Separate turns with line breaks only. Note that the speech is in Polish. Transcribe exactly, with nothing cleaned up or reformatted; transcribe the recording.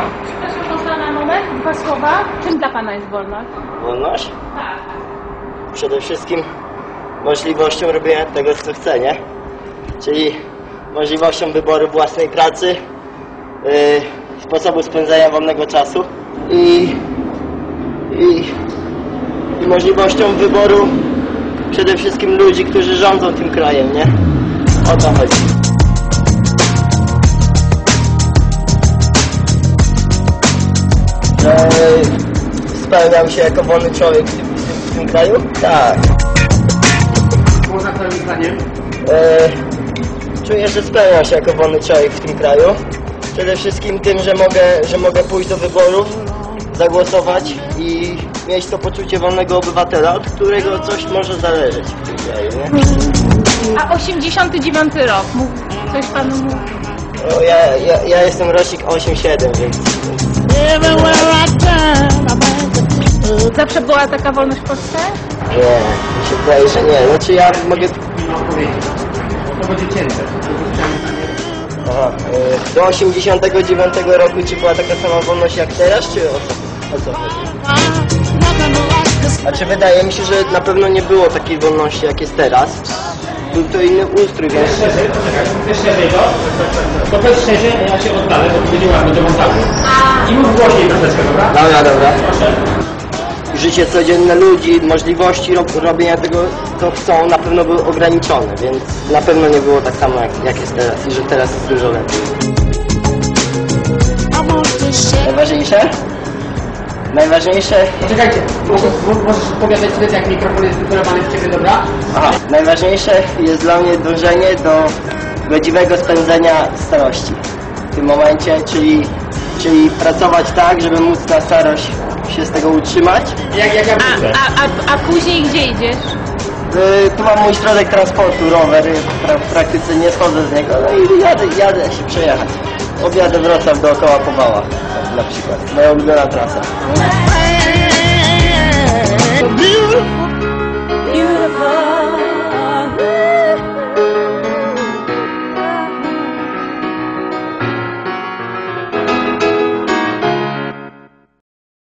Przepraszam, można na moment, dwa słowa. Czym dla Pana jest wolność?
Wolność?
Tak.
Przede wszystkim możliwością robienia tego, co chce, nie? Czyli możliwością wyboru własnej pracy, yy, sposobu spędzania wolnego czasu i, i, i możliwością wyboru przede wszystkim ludzi, którzy rządzą tym krajem, nie? O to chodzi. Że spełniam się jako wolny człowiek w tym, w tym, w tym kraju? Tak.
Można Twoim zdaniem?
E, czuję, że spełniam się jako wolny człowiek w tym kraju. Przede wszystkim tym, że mogę, że mogę pójść do wyborów, zagłosować i mieć to poczucie wolnego obywatela, od którego coś może zależeć w tym kraju, nie?
A osiemdziesiąty dziewiąty rok, mógł coś Panu mówić?
No, ja, ja, ja jestem rocznik osiem siedem, więc...
Zawsze była taka wolność w Polsce?
Nie, mi się wydaje, że nie. Znaczy ja mogę...
Nie odpowiedzieć. To będzie cięte.
Aha, y, do osiemdziesiątego dziewiątego roku czy była taka sama wolność jak teraz, czy o co, o co chodzi? Znaczy wydaje mi się, że na pewno nie było takiej wolności jak jest teraz. Był to inny ustrój, więc...
Szczerze, poczekaj, wiesz szerzej to? To powiedz szczerze, a ja się oddalę, bo to będzie ładne do montażu. I mów głośniej troszeczkę, dobra?
Dobra, dobra.
Proszę.
Życie codzienne ludzi, możliwości rob, robienia tego, co chcą, na pewno były ograniczone, więc na pewno nie było tak samo jak, jak jest teraz i że teraz jest dużo lepiej. Najważniejsze? Najważniejsze...
Poczekajcie, możesz odpowiadać wtedy, jak mikrofon jest wycelowany w Ciebie, dobra?
Aha. Najważniejsze jest dla mnie dążenie do godziwego spędzenia starości w tym momencie, czyli, czyli pracować tak, żeby móc na starość się z tego utrzymać.
Jak, jak ja
A,
wrócę.
a, a, a później gdzie idziesz?
Yy, tu mam mój środek transportu, rower, pra, w praktyce nie schodzę z niego, no i jadę, jadę się przejechać. Objadę Wrocław dookoła po Wałach, na przykład, moja ulubiona trasa.
Beautiful.